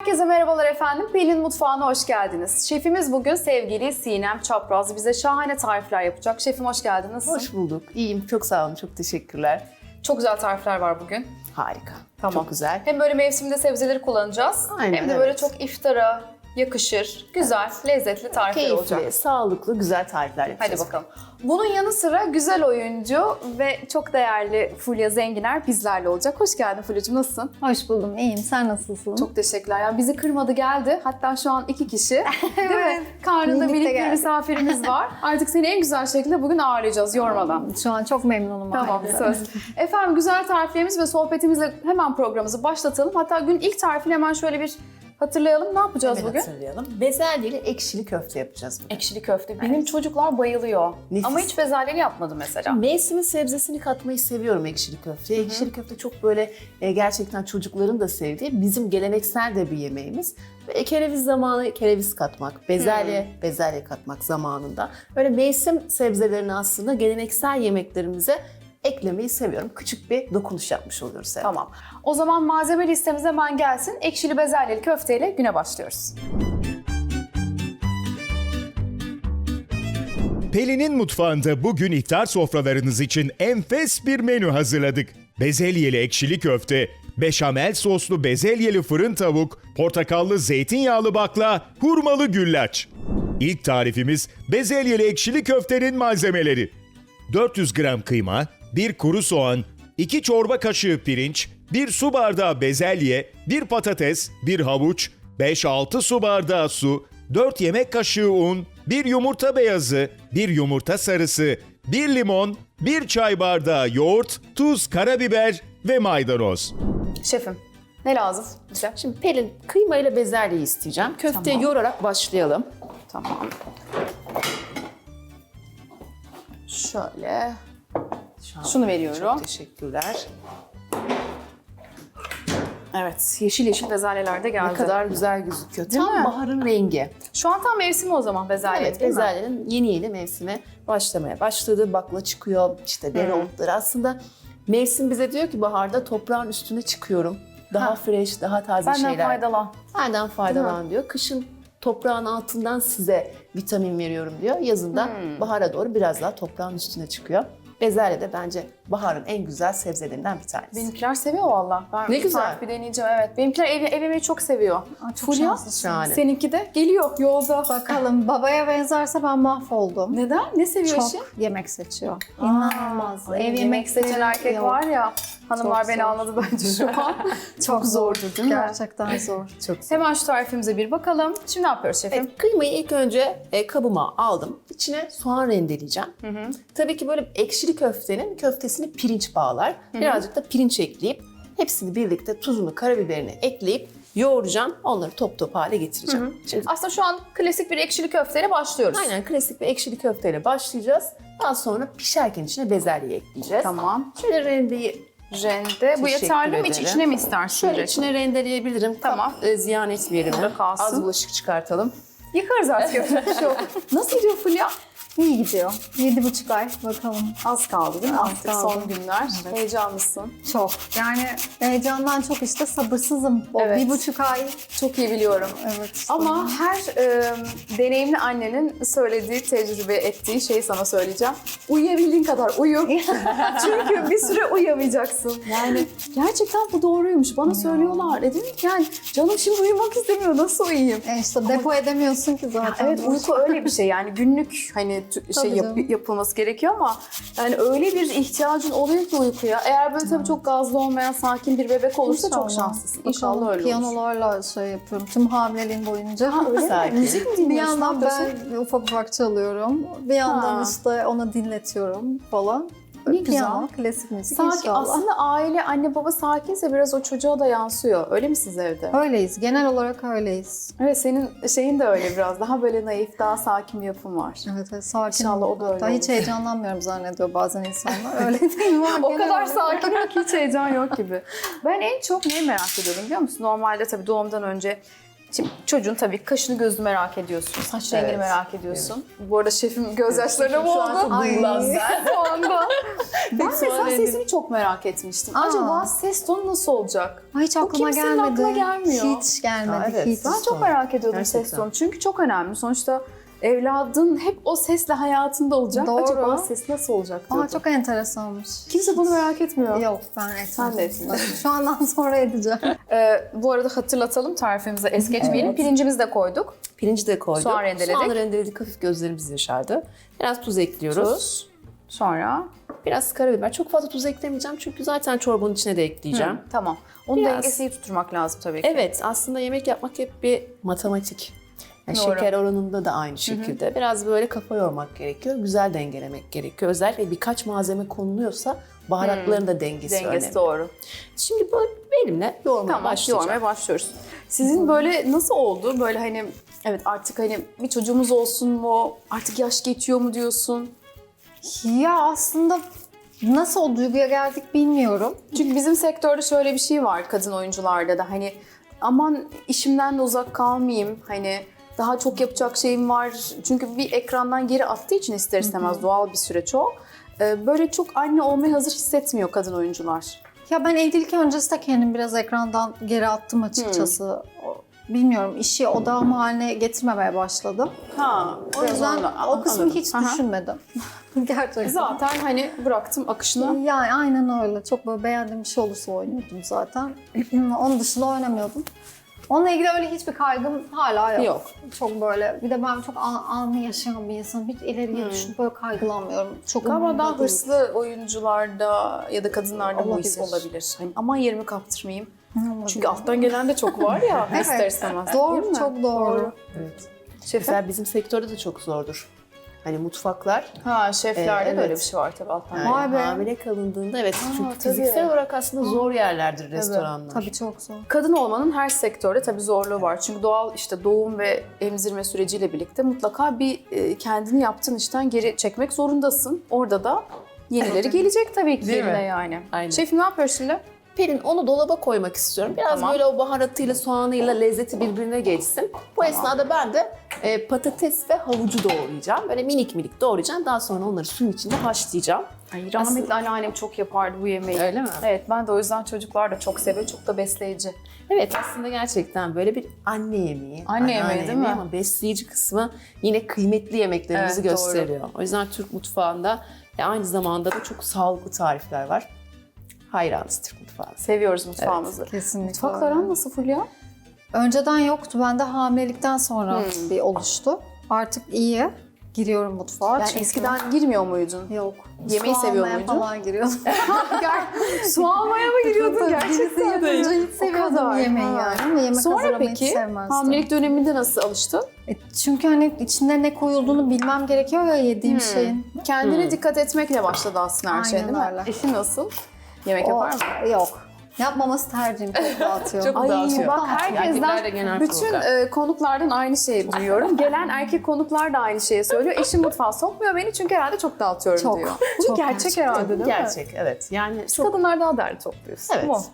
Herkese merhabalar efendim. Pelin Mutfağı'na hoş geldiniz. Şefimiz bugün sevgili Sinem Çapraz bize şahane tarifler yapacak. Şefim hoş geldiniz. Nasılsın? Hoş bulduk. İyiyim. Çok sağ olun. Çok teşekkürler. Çok güzel tarifler var bugün. Harika. Tamam. Çok güzel. Hem böyle mevsimde sebzeleri kullanacağız. Aynen, hem de böyle evet. çok iftara yakışır, güzel, lezzetli tarifler olacak. Keyifli, sağlıklı, güzel tarifler yapacağız. Hadi bakalım. Bunun yanı sıra güzel oyuncu ve çok değerli Fulya Zenginer bizlerle olacak. Hoş geldin Fulya'cığım, nasılsın? Hoş buldum, iyiyim. Sen nasılsın? Çok teşekkürler. Yani bizi kırmadı geldi. Hatta şu an 2 kişi. Değil mi? Evet. Karnında Birlikte minik bir geldik. misafirimiz var. Artık seni en güzel şekilde bugün ağırlayacağız yormadan. Şu an çok memnunum. Tamam, ayrıca. söz. Efendim güzel tariflerimiz ve sohbetimizle hemen programımızı başlatalım. Hatta gün ilk tarifini hemen şöyle bir hatırlayalım. Ne yapacağız Hemen bugün? hatırlayalım. Bezelyeli ekşili köfte yapacağız bugün. Ekşili köfte. Benim çocuklar bayılıyor. Nefis. Ama hiç bezelyeli yapmadım mesela. Mevsimin sebzesini katmayı seviyorum ekşili köfteye. Ekşili köfte çok böyle gerçekten çocukların da sevdiği, bizim geleneksel de bir yemeğimiz. Ve kereviz zamanı kereviz katmak, bezelye katmak zamanında. Böyle mevsim sebzelerini aslında geleneksel yemeklerimize eklemeyi seviyorum. Küçük bir dokunuş yapmış oluyoruz. Hep. Tamam. O zaman malzeme listemiz hemen gelsin. Ekşili bezelyeli köfteyle güne başlıyoruz. Pelin'in mutfağında bugün iftar sofralarınız için enfes bir menü hazırladık. Bezelyeli ekşili köfte, beşamel soslu bezelyeli fırın tavuk, portakallı zeytinyağlı bakla, hurmalı güllaç. İlk tarifimiz bezelyeli ekşili köftenin malzemeleri. 400 gram kıyma, 1 kuru soğan, 2 çorba kaşığı pirinç, 1 su bardağı bezelye, 1 patates, 1 havuç, 5-6 su bardağı su, 4 yemek kaşığı un, 1 yumurta beyazı, 1 yumurta sarısı, 1 limon, 1 çay bardağı yoğurt, tuz, karabiber ve maydanoz. Şefim, ne lazım bize? Şimdi Pelin, kıyma ile bezelyeyi isteyeceğim. Köfteyi Tamam. yoğurarak başlayalım. Tamam. Şöyle. Şunu veriyorum. Çok teşekkürler. Evet, yeşil yeşil bezelyeler de geldi. Ne kadar güzel gözüküyor. Değil Tam mi? baharın rengi. Şu an tam mevsimi o zaman bezelye, Evet, değil mi? bezelyenin yeni mevsime başlamaya başladı. Bakla çıkıyor, işte dereotları. Aslında mevsim bize diyor ki baharda toprağın üstüne çıkıyorum. Daha fresh, daha taze Benden şeyler. faydalan. Benden faydalan diyor. Kışın toprağın altından size vitamin veriyorum diyor. Yazında bahara doğru biraz daha toprağın üstüne çıkıyor. Bezelye de bence baharın en güzel sebzelerinden bir tanesi. Benimkiler seviyor valla. Ben Ne güzel. tarifi deneyeceğim, evet. Benimkiler ev yemeği çok seviyor. Aa, çok Fulya, şanslısın. Şahane. seninki de geliyor yolda. Bakalım babaya benzerse ben mahvoldum. Neden? Ne seviyor Çok eşi? yemek seçiyor. İnanılmaz. Ay, Ev yemek yemekleri seçen erkek yok. var ya. Hanımlar Çok beni zor. anladı bence şu an. Çok zordur değil mi? Gerçekten zor. Çok güzel. Hemen şu tarifimize bir bakalım. Şimdi ne yapıyoruz şefim? Evet, kıymayı ilk önce kabıma aldım. İçine soğan rendeleyeceğim. Tabii ki böyle ekşili köftenin köftesini pirinç bağlar. Birazcık da pirinç ekleyip hepsini birlikte tuzunu, karabiberini ekleyip yoğuracağım. Onları top top hale getireceğim. Şimdi Aslında şu an klasik bir ekşili köfteyle başlıyoruz. aynen klasik bir ekşili köfteyle başlayacağız. Daha sonra pişerken içine bezelye ekleyeceğiz. Tamam. Şöyle rendeyi Rende. Bu Teşekkür yeterli mi? ederim. İçine mi istersin? şöyle direkt? içine rendeleyebilirim. Tamam. Ziyan etmeyelim. Burada kalsın. Az bulaşık çıkartalım. Yıkarız artık, yapacak bir şey yok. Nasıl gidiyor Fulya? İyi gidiyor. 7,5 ay bakalım. Az kaldı değil mi? Az Artık kaldı. son günler. Evet. Heyecanlısın. Çok. Yani heyecandan çok işte sabırsızım. O Evet. 1,5 ay. Çok iyi biliyorum. Evet. Ama her deneyimli annenin söylediği, tecrübe ettiği şeyi sana söyleyeceğim. Uyuyabildiğin kadar uyu. Çünkü bir süre uyuyamayacaksın. Yani gerçekten bu doğruymuş. Bana söylüyorlar. Dedim ki yani canım şimdi uyumak istemiyor. Nasıl uyuyayım? İşte depo edemiyorsun ki zaten. Evet, uyku öyle bir şey yani günlük hani Tabii canım. yapılması gerekiyor ama yani öyle bir ihtiyacın oluyor ki uykuya. Eğer böyle tabii çok gazlı olmayan sakin bir bebek olursa çok İnşallah. şanslısın. İnşallah öyle olur. Piyanolarla şey yapıyorum. Tüm hamileliğim boyunca. Öyle mi? Sakin. Müzik mi Bir dinliyorsun? yandan Ne yapıyorsun? ben ufak ufak çalıyorum. Bir yandan Ha. işte onu dinletiyorum falan. Ne güzel. Piyano, klasik müzik Sakin. inşallah. Aslında aile, anne baba sakinse biraz o çocuğa da yansıyor. Öyle mi siz evde? Öyleyiz. Genel olarak öyleyiz. Evet, senin şeyin de öyle biraz. Daha böyle naif, daha sakin bir yapın var. Evet, sakin. İnşallah o da öyle Hatta hiç olur. heyecanlanmıyorum zannediyor bazen insanlar. Öyle değil mi? O kadar sakinim ki hiç heyecan yok gibi. Ben en çok neyi merak ediyorum biliyor musun? Normalde tabii doğumdan önce Şimdi çocuğun tabii kaşını gözünü merak ediyorsun, saç rengini Evet. merak ediyorsun. Bu arada şefim gözyaşlarına Şu an çok boğuldu. duygulandım ben. Şu anda. Ben soğan mesela rengi. sesini çok merak etmiştim. Aa. Acaba ses tonu nasıl olacak? Ay, hiç aklıma kimsenin gelmedi. aklına gelmiyor. Hiç gelmedi. Aa, evet. Hiç. Ben çok Son. merak ediyordum ses Gerçekten. tonu. Çünkü çok önemli. Sonuçta evladın hep o sesle hayatında olacak. Doğru. Acaba ses nasıl olacak diyordum. Aa, çok enteresanmış. Kimse bunu merak etmiyor. Yok, ben etmedim. Sen de etmiyorsun. Şu andan sonra edeceğim. Bu arada hatırlatalım, tarifimize es geçmeyelim. Pirincimizi de koyduk. Pirinci de koyduk. Soğan rendeledik. Soğanı rendeledik, hafif gözlerimiz yaşardı. Biraz tuz ekliyoruz. Tuz. Sonra Biraz karabiber. Çok fazla tuz eklemeyeceğim çünkü zaten çorbanın içine de ekleyeceğim. tamam. Onun Biraz. dengesini tutturmak lazım tabii ki. Evet, aslında yemek yapmak hep bir matematik. Yani Doğru. şeker oranında da aynı şekilde. Biraz böyle kafa yormak gerekiyor. Güzel dengelemek gerekiyor. Özellikle birkaç malzeme konuluyorsa baharatların da dengesi önemli. doğru. Şimdi böyle elimle yoğurmaya Tamam, başlayacağım. yoğurmaya başlıyoruz. Sizin böyle nasıl oldu? Böyle hani evet artık hani bir çocuğumuz olsun mu? Artık yaş geçiyor mu diyorsun? Ya aslında nasıl o duyguya geldik bilmiyorum. Çünkü bizim sektörde şöyle bir şey var kadın oyuncularda da hani aman işimden de uzak kalmayayım hani daha çok yapacak şeyim var. Çünkü bir ekrandan geri attığı için ister istemez doğal bir süreç o. Böyle çok anne olmaya hazır hissetmiyor kadın oyuncular. Ya ben evlilik öncesi de kendimi biraz ekrandan geri attım açıkçası. Bilmiyorum, işi odağım haline getirmemeye başladım. Ha, O yüzden o kısmı hiç Aha. düşünmedim. Gerçekten. Zaten hani bıraktım akışına. Yani aynen öyle. Çok böyle beğendiğim bir şey olursa oynuyordum zaten. Onun dışında oynamıyordum. Onunla ilgili öyle hiçbir kaygım hala yok. Yok. Çok böyle, bir de ben çok anı yaşayan bir insanım. Hiç ileriye düşünüp böyle kaygılanmıyorum. Çok Galiba umurumda daha değil. hırslı oyuncularda ya da kadınlarda bu his Olabilir. olabilir. Hani aman yerimi kaptırmayayım. Olabilir. Çünkü alttan gelen de çok var ya Evet. ister istemez. Doğru, değil mi? çok doğru. Evet. Şefim? Mesela bizim sektörde de çok zordur. Hani mutfaklar Ha şeflerde de Evet. öyle bir şey var tabii alttan. yani Vay be. hamile kalındığında evet çünkü tabii. fiziksel olarak aslında zor yerlerdir restoranlar. Tabii çok zor. Kadın olmanın her sektörde tabii zorluğu var. Çünkü doğal işte doğum ve emzirme süreciyle birlikte mutlaka bir kendini yaptığın işten geri çekmek zorundasın. Orada da yenileri gelecek tabii ki Değil mi? yerine yani. Aynen. Şefim ne yapıyor şimdi? Pelin onu dolaba koymak istiyorum. Biraz Tamam. böyle o baharatıyla, soğanıyla lezzeti birbirine geçsin. Bu esnada ben de patates ve havucu doğrayacağım. Böyle minik minik doğrayacağım. Daha sonra onları suyun içinde haşlayacağım. Ay, rahmetli anneannem çok yapardı bu yemeği. Öyle mi? Evet, ben de o yüzden çocuklar da çok seviyor. Çok da besleyici. Evet aslında gerçekten böyle bir anne yemeği. Anne yemeği, anneanne değil mi? Ama besleyici kısmı yine kıymetli yemeklerimizi Evet, gösteriyor. O yüzden Türk mutfağında aynı zamanda da çok sağlıklı tarifler var. Hayranız Türk mutfağına. Seviyoruz mutfağımızı. Kesinlikle. Mutfakların nasıl Fulya? Önceden yoktu. Ben de hamilelikten sonra bir oluştu. Artık iyi. Giriyorum mutfağa. Yani Çünkü- eskiden girmiyor muydun? Yok. Yemeği Su seviyor almaya muydun? falan giriyordum. Su almaya mı giriyordun Birisi gerçekten? yapınca hiç O seviyordum kadar. yemeği Ha. yani. Ama yemek Sonra hazırlamayı hiç peki sevmezdim. hamilelik döneminde nasıl alıştın? Çünkü hani içinde ne koyulduğunu bilmem gerekiyor ya yediğim şeyin. Kendine dikkat etmekle başladı aslında her şey Aynen değil mi? öyle. Eşin nasıl? Yemek yapar mı? Yok. Yapmaması tercihim. Çok dağıtıyor. Çok Ay dağıtıyor. bak Erkekler de genel herkesten, bütün program. konuklardan aynı şeyi duyuyorum. Gelen erkek konuklar da aynı şeyi söylüyor. Eşim mutfağa sokmuyor beni çünkü herhalde çok dağıtıyorum Çok, diyor. Bu çok gerçek herhalde değil mi? Gerçek evet. Yani Biz çok kadınlar daha derli topluyoruz. evet. Bu.